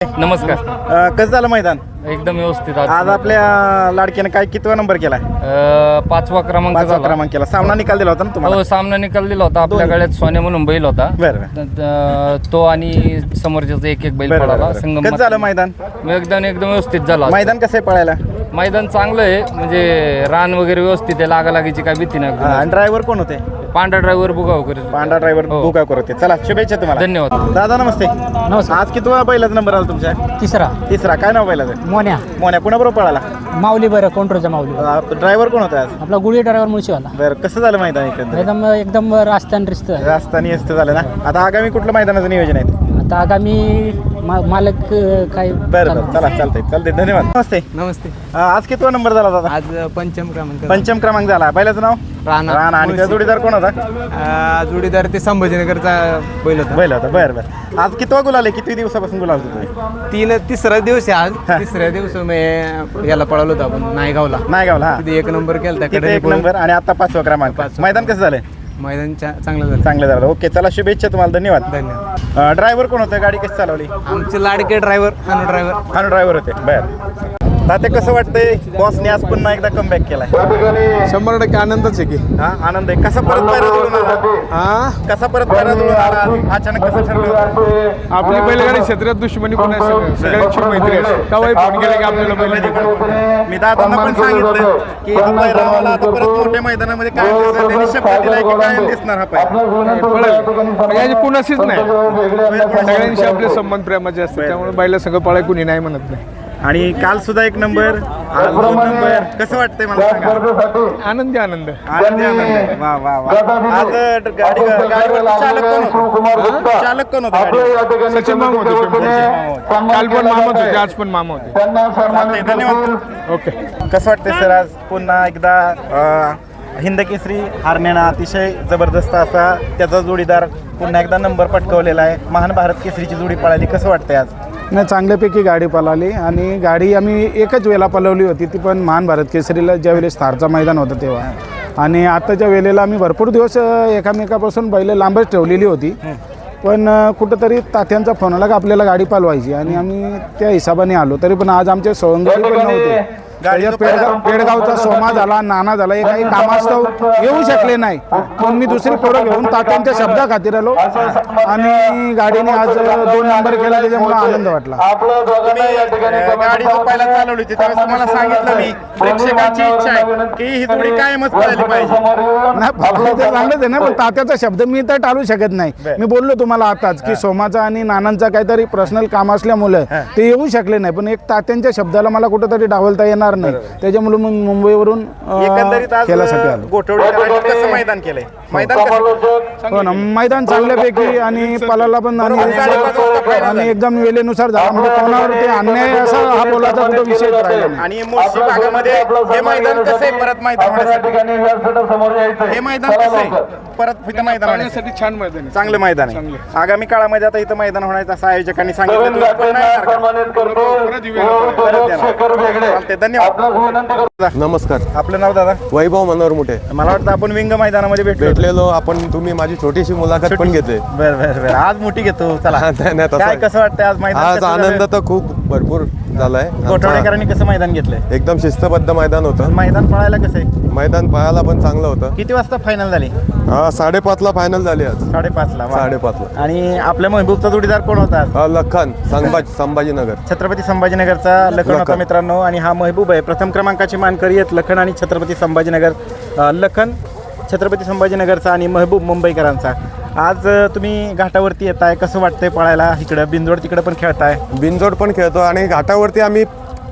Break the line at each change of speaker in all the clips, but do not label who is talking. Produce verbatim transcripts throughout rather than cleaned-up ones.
नमस्कार.
अ, कसं झालं मैदान?
एकदम व्यवस्थित.
आज आपल्या लाडक्याने काय कितवा नंबर केला?
अ, पाचवा क्रमांक
पाचवा
झाला.
क्रमांक केला. सामना निकाल दिला होता ना तुम्हाला?
हो, सामना निकाल दिला होता. आपल्या गळ्यात सोन्या म्हणून बैल होता.
बरं
त- त- तो आणि समोरच्याचा एक एक बैल
बरं,
पडाला.
बरं.
संगम
कसं झालं मैदान?
एकदम एकदम व्यवस्थित झाला.
मैदान कसं आहे पळायला?
मैदान चांगलं आहे, म्हणजे रान वगैरे व्यवस्थित आहे, लागालागीची काय भीती
हा, आणि
नाही.
ड्रायव्हर कोण होते?
पांढरा ड्रायव्हर बुगाव करेल.
पांढरा ड्रायव्हर
हो.
बुका करते. चला शुभेच्छा तुम्हाला.
धन्यवाद.
दादा नमस्ते.
नमस्कार.
आज कितवा बैलाचा नंबर आला तुमच्या?
तिसरा
तिसरा. काय नाव बैलाचं?
मोन्या
मोन्या कुणाबरोबर पळाला?
माऊली बरं कोंट्रोचा माऊली
ड्रायव्हर कोण होता आज?
आपला गुढी ड्रायव्हर मुळशीवाला
बरं, कसं झालं मैदान एकंदर?
एकदम एकदम रास्तान रिस्त
राजस्थानी असतं झालं ना. आता आगामी कुठलं मैदानाचं नियोजन आहे?
आता आगामी मा- मालक अं, काय
बरं बरं, चला चालतंय चालतंय. धन्यवाद. नमस्ते.
नमस्ते.
अ, आज कितवा नंबर झाला दादा?
आज पंचम क्रमांक
पंचम क्रमांक झाला. बैलाचं नाव?
राणा.
राणा. आणि त्या जोडीदार कोण होता?
आ, जोडीदार ते संभाजीनगरचा बैल होता.
बैल होता. बरं बरं. आज कितवा गुलाल आहे? किती दिवसापासून गुलाल होतो तुम्ही?
तीन तिसरा दिवस आहे आज.
हा.
तिसऱ्या दिवस मी याला पळवलो होतो आपण नायगावला.
नायगावला. हा,
तिथे एक नंबर केला
तिथे एक नंबर आणि आता पाचवा क्रमांक.
पाचवा.
मैदान कसं झालंय?
मैदान चा- चांगलं झालं.
चांगलं झालं. ओके, चला शुभेच्छा तुम्हाला. धन्यवाद.
धन्यवाद.
ड्रायव्हर कोण होतं? गाडी कशी चालवली?
आमचे लाडके ड्रायव्हर अनु ड्रायव्हर.
हा, ड्रायव्हर होते. बरं. तात्या कसं वाटतंय? बॉसने आज पुन्हा एकदा कमबॅक केलाय.
शंभर टक्के आनंदच आहे की.
हा, आनंद आहे. कसा परत पायरा जुळून आला?
हा
कसा परत पायरा जुळून आला आज? अचानक कसं ठरलं होतं?
आपली बैलगाडी क्षेत्रात दुश्मनी पण आहे, सगळं सगळ्यांची मैत्री असते. कवाही फोन केला की आपल्याला बैल
मी दादांना पण सांगितलं की हा पायरा आम्हाला आता परत मोठ्या मैदानामध्ये काय दिसणार? त्यांनी शब्द दिलाय की काय दिसणार हा पायरा.
पळेल याची कुणाशीच नाही. सगळ्यांशी आपले संबंध प्रेमाचे असतात, त्यामुळे बैला सगळं पळाय कुणी नाही म्हणत नाही.
आणि काल सुद्धा एक नंबर, आज दोन नंबर. कसं वाटतंय मला सांगा?
आनंदी आनंद.
आनंदी आनंद. वा वा वा. आज ग- गाडी गाडीवर चालक कोण होता? चालक कोण होता गाडीवर?
सचिन मामा होते पिंपळचे. काल पण मामाच होते, आज पण मामा होते.
चालतंय, धन्यवाद.
ओके.
कसं वाटतंय सर आज पुन्हा एकदा अं, हिंद केसरी हरण्यानं अतिशय जबरदस्त असा त्याचा जोडीदार पुन्हा एकदा नंबर पटकवलेला आहे. महान भारत केसरीची जोडी पळाली. कसं वाटतंय आज?
नाही, चांगल्यापैकी गाडी पळाली आणि गाडी आम्ही एकच वेळेला पळवली होती, ती पण महान भारत केसरीला ज्यावेळेस थारचा मैदान होतं तेव्हा. आणि आत्ताच्या वेळेला आम्ही भरपूर दिवस अ, एकामेकापासून बैल लांबच ठेवलेली होती, पण अ, कुठंतरी तात्यांचा फोन आला की आपल्याला गाडी पालवायची आणि आम्ही त्या हिशोबाने आलो. तरी पण आज आमचे सवंगडी पण नव्हते. त्याच्यात पेडगाव पेडगावचा सोमा झाला, नाना झाला, हे काही कामास्तव येऊ शकले नाही, पण मी दुसरी पोरं घेऊन तात्यांच्या शब्दा खातीर आलो आणि गाडीने आज दोन नंबर केला, त्याच्यामुळे आनंद वाटला.
तुम्ही अं, गाडी जो पहिला चालवली होती त्यावेळेस तुम्हाला सांगितलं मी प्रेक्षकांची इच्छा आहे की ही जोडी कायमच पळाली पाहिजे.
नाही, पळायला तर चांगलंच आहे ना, पण तात्याचा शब्द मी तर टाळू शकत नाही. मी बोललो तुम्हाला आताच की सोमाचा आणि नानांचा काहीतरी पर्सनल काम असल्यामुळे ते येऊ शकले नाही, पण एक तात्यांच्या शब्दाला मला कुठंतरी डावलता येणार नाही, त्याच्यामुळे मग मुंबईवरून अं,
एकंदरीत आज
खेळासाठी आलो.
गोठवडीकरांनी कसं मैदान केलंय? मैदान कसं?
हो ना, मैदान चांगल्यापैकी आणि पलाला पण आणि
साडेपाच वाजता final
आणि एकदम वेळेनुसार झाला, म्हणजे कोणावर ते अन्याय असा हा बोलायचा कुठं विषय राहिला नाही.
आणि मुळशी भागामध्ये हे मैदान कसं आहे परत मैदान होण्यासाठी? हे मैदान कसं आहे परत इथं मैदान होण्यासाठी?
पाहण्यासाठी छान मैदान आहे.
चांगलं मैदान आहे. आगामी काळामध्ये आता इथं मैदान होण्याचं असं आयोजकांनी सांगितलं. तुम्ही पण नाही येणार का?
परत येऊया.
परत येणार. चालतंय, धन्यवाद.
नमस्कार.
आपलं नाव दादा?
वैभव मनोहर मुठे.
मला वाटतं आपण विंग मैदानामध्ये भेटलो.
भेटलेलो आपण, तुम्ही माझी छोटीशी मुलाखत पण घेते.
बरं बरं बरं. आज मोठी घेतो. चला,
नाही, नाही, तसं
काय
आहे.
कसं वाटतं आज मैदान?
आज
कसं
आनंद
झालं?
तर खूप भरपूर झालाय.
गोठवडेकरांनी कसं मैदान घेतलंय?
एकदम शिस्तबद्ध मैदान होतं.
मैदान पळायला कसं आहे?
मैदान पाहायला पण चांगलं होतं.
किती वाजता फायनल झाली?
हा, साडेपाचला फायनल झाली आज.
साडेपाचला. वा.
साडेपाचला.
आणि आपल्या महबूबचा जोडीदार कोण होता?
हा, लखन संभाजी संभाजीनगर.
छत्रपती संभाजीनगरचा लखन होता
लखन.
मित्रांनो. आणि हा महबूब आहे. प्रथम क्रमांकाचे मानकरी आहेत लखन आणि छत्रपती संभाजीनगर. अ, लखन छत्रपती संभाजीनगरचा आणि महबूब मुंबईकरांचा. आज अ, तुम्ही घाटावरती येताय, कसं वाटतंय पळायला? इकडं बिंदोड तिकडं पण खेळताय.
बिनजोड पण खेळतो आणि घाटावरती आम्ही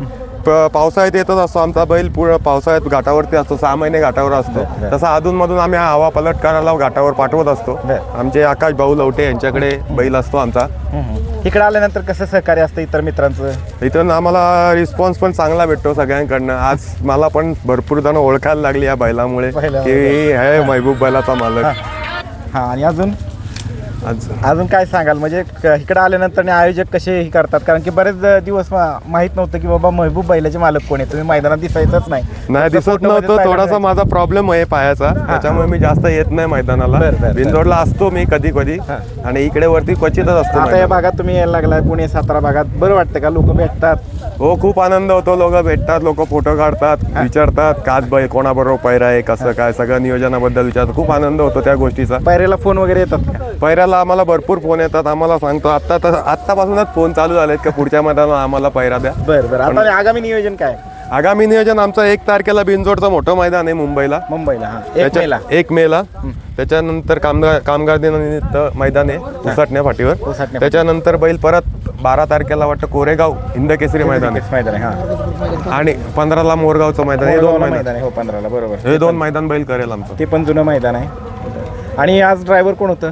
प- पावसाळ्यात येतच असतो. आमचा बैल पूर्ण पावसाळ्यात घाटावरती असतो, सहा महिने घाटावर असतो. तसा अधूनमधून आम्ही हा हवा पलट करायला घाटावर पाठवत असतो. आमचे आकाश भाऊ लवटे यांच्याकडे बैल असतो आमचा.
इकडं आल्यानंतर कसं सहकार्य असतं इतर मित्रांचं?
इथून आम्हाला रिस्पॉन्स पण चांगला भेटतो सगळ्यांकडनं. आज मला पण भरपूर जण ओळखायला लागली या बैलामुळे
बैलामुळे.
की हे महबूब बैलाचा मालक.
हां, आणि अजून
आज
अजून काय सांगाल म्हणजे क- इकडे आल्यानंतर आणि आयोजक कसे हे करतात कारण की बरेच दिवस मा- माहित नव्हतं की बाबा महबूब बैलाचे मालक कोण आहे तुम्ही मैदानात दिसायचंच नाही
नाही
फक्त
दिसत
फोटोमध्येच
नव्हतं,
पाहायला
थोडासा
मिळायचं.
माझा प्रॉब्लेम आहे पायाचा, त्याच्यामुळे मी जास्त येत नाही मैदानाला.
बरं, बरं.
बिनजोडला असतो मी कधी कधी आणि इकडे वरती क्वचितच असतो
आता या
मैदानात.
भागात तुम्ही यायला लागलाय पुणे सातारा भागात बरं वाटतं का लोक भेटतात
हो खूप आनंद होतो, लोक भेटतात, लोक फोटो काढतात, विचारतात काच बै कोणाबरोबर पैरा आहे कसं काय सगळं नियोजनाबद्दल विचारतात. खूप आनंद होतो त्या गोष्टीचा.
पायऱ्याला फोन वगैरे येतात का
पैऱ्याला आम्हाला भरपूर फोन येतात, आम्हाला सांगतो आत्ता तर आत्तापासूनच फोन चालू झालेत का पुढच्या मैदानात आम्हाला पैरा द्या.
बरं बरं आता आगामी नियोजन काय
आगामी नियोजन आमचं एक तारखेला बिनजोडचं मोठं मैदान आहे मुंबईला,
मुंबईला हा एक
त्याच्या-
मेला
एक मेला त्याच्यानंतर कामगार कामगार दिनानिमित्त मैदान आहे उसाटण्या फाटीवर.
उसाटण्या
त्याच्यानंतर बैल परत बारा तारखेला वाटतं कोरेगाव हिंद केसरी मैदान आहे
मैदान आहे हा
आणि पंधराला मोरगावचं मैदान आहे. हे दोन
मोरगावला
मैदान
मैदान आहे हो पंधराला बरोबर
हे दोन मैदान बैल करेल आमचं.
ते पण जुनं मैदान आहे आणि आज ड्रायव्हर कोण होतं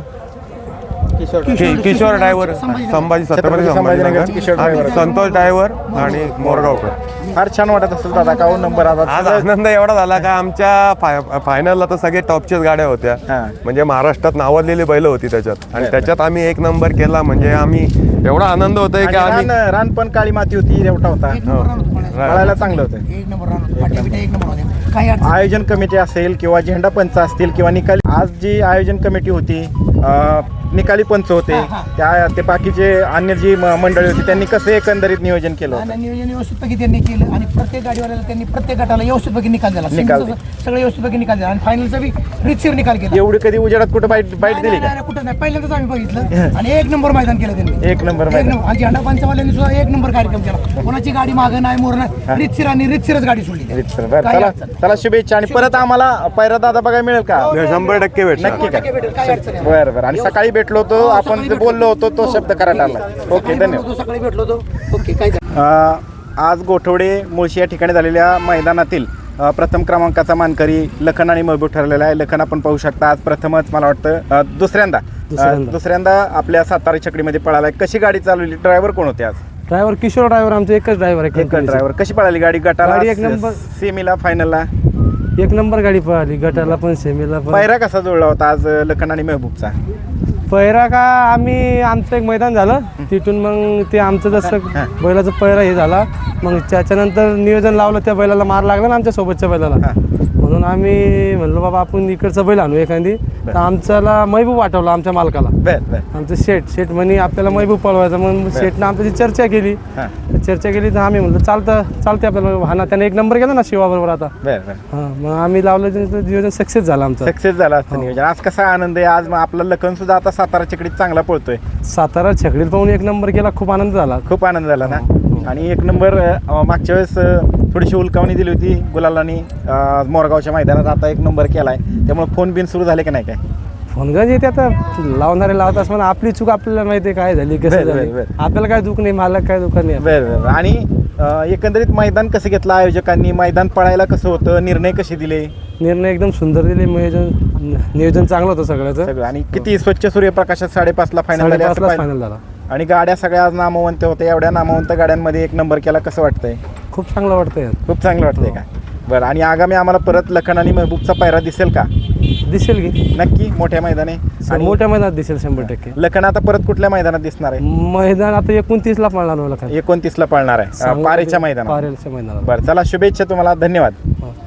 कि- किशोर ड्रायव्हर संभाजी छत्रपती
संभाजीनगरचे
संभाजीनगर
किशोर driver.
आणि संतोष ड्रायव्हर आणि मोरगावकर.
फार छान वाटत असेल दादा का हो नंबर आज
आज आनंद एवढा झाला का आमच्या फाय फायनलला तर सगळे टॉपच्याच गाड्या होत्या,
हा.
म्हणजे महाराष्ट्रात नावाजलेली बैल होती त्याच्यात आणि त्याच्यात आम्ही एक नंबर केला म्हणजे आम्ही एवढा आनंद होतोय की
आणि
आम्ही
रान रान पण काळी माती होती रेवटा होता पळायला चांगलं होतं
एक नंबर रान होतं, फाट्या बिट्या एक नंबर होते. काही अडचण
आयोजन कमिटी असेल किंवा झेंडा पंच असतील किंवा निकाली आज जी आयोजन कमिटी होती अं, निकाली पंच होते त्या ते बाकीचे अन्य जी म- मंडळी होती त्यांनी कसं एकंदरीत नियोजन केलं होतं
आणि नियोजन व्यवस्थितपैकी त्यांनी केलं आणि प्रत्येक गाडीवाल्याला त्यांनी प्रत्येक गटाला व्यवस्थितपैकी निकाल दिला.
निकाल
सिंगलचा सगळं व्यवस्थितपैकी निकाल दिला आणि फायनलचा बी रितसर निकाल केला.
एवढी कधी उजेडात कुठं बाईट बाईट
नाही,
दिली
नाही,
का
नाही, कुठं नाही, पहिल्यांदाच आम्ही बघितलं आणि एक नंबर मैदान केलं त्यांनी.
एक नंबर
एक
मैदान.
नंबर आणि झेंडा पंचवाल्यांनी सुद्धा एक नंबर कार्यक्रम केला. कोणाची गाडी मागं नाही मोर नाही, रितसर आणि रितसरच गाडी सोडली.
रीतसर. बरं
काही
चला
अडचण
चला शुभेच्छा आणि परत आम्हाला पैरा दादा बघायला मिळेल का
शंभर टक्के भेटणार.
नक्की का
नाही. भेटेल, काही अडचण नाही.
बरं बरं आणि सकाळी भेटलो होतो आपण जे बोललो होतो तो शब्द करायला आला ओके धन्यवाद
भेटलो होतो, सकाळी भेटलो होतो. ओके काय
अ, आज गोठवडे मुळशी या ठिकाणी झालेल्या मैदानातील अ, प्रथम क्रमांकाचा मानकरी लखन आणि महबूब ठरलेला आहे. लखन आपण पाहू शकता आज प्रथमच मला वाटतं अ, दुसऱ्यांदा अ, दुसऱ्यांदा आपल्या सातारा छकडीमध्ये पळाला आहे. कशी गाडी चालवली ड्रायव्हर कोण होते आज
ड्रायव्हर किशोर ड्रायव्हर आमचा एकच ड्रायव्हर आहे
एक ड्रायव्हर कशी पळाली गाडी गटाला
गाडी एक नंबर.
सेमीला फायनलला
एक नंबर गाडी पळाली गटाला पण सेमीला पण
पायरा कसा जुळला होता आज लखन आणि महबूबचा
पहिरा का आम्ही आमचं एक मैदान झालं तिथून मग ते आमचं जसं बैलाचं पहिरा हे झाला मग त्याच्यानंतर नियोजन लावलं त्या बैलाला मार लागला ना आमच्या सोबतच्या बैलाला म्हणून आम्ही म्हणलो बाबा आपण इकडचं बैल आणू एखादी तर आमच्याला महबूब वाटवला आमच्या मालकाला
बर बर
आमचं शेठ शेठ म्हणे आपल्याला महबूब पळवायचा मग शेठनं आमच्याशी चर्चा केली
हां
तर चर्चा केली तर आम्ही म्हणलं चालतं चालते आपल्याला हा ना त्याने एक नंबर केला ना शिवाबरोबर आता
बर बर
हां मग आम्ही लावलं त्याचं नियोजन सक्सेस झालं आमचं
सक्सेस झाला असतं नियोजन आज कसा आनंद आहे आज मग आपला लखन सुद्धा आता सातारा छकडीत चांगला पळतोय
सातारा छकडीत पाहून एक नंबर केला खूप आनंद झाला
खूप आनंद झाला ना आणि एक नंबर अ, मागच्या वेळेस अ, थोडीशी उलकावणी दिली होती गुलालानी अ, मोरगावच्या मैदानात आता एक नंबर केला आहे त्यामुळे फोन बिन सुरू झाले की नाही काय
फोन गंज येते आता लावणारे लावत असताना आपली चूक आपल्याला माहिती आहे काय झाली कसं
बरं, बरं,
झाली
बरं.
आपल्याला काय दुःख नाही मालक काय दुःख नाही
बरं बरं आणि अ, एकंदरीत मैदान कसं घेतलं आयोजकांनी मैदान पळायला कसं होतं निर्णय कसे दिले
निर्णय एकदम सुंदर दिले नियोजन नियोजन चांगलं होतं सगळ्याचं
सगळं आणि किती स्वच्छ सूर्यप्रकाशात साडेपाचला फायनल झाले असं
साडेपाचलाच
पाहिलं.
फायनल झाला
आणि गाड्या सगळ्या आज नामवंत होत्या एवढ्या नामवंत गाड्यांमध्ये एक नंबर केला कसं वाटतंय
खूप चांगलं वाटतंय
खूप चांगलं वाटतंय का बरं आणि आगामी आम्हाला परत लखन आणि महबूबचा पायरा दिसेल का
दिसेल की
नक्की मोठ्या मैदाने आणि
मोठ्या मैदानात दिसेल शंभर टक्के
लखन आता परत कुठल्या मैदानात दिसणार आहे
मैदान आता एकोणतीस ला पळणार मला काय
एकोणतीसला पळणार आहे अ, पारेच्या मैदानात
पारेच्या मैदानात
बरं चला शुभेच्छा तुम्हाला धन्यवाद
हो.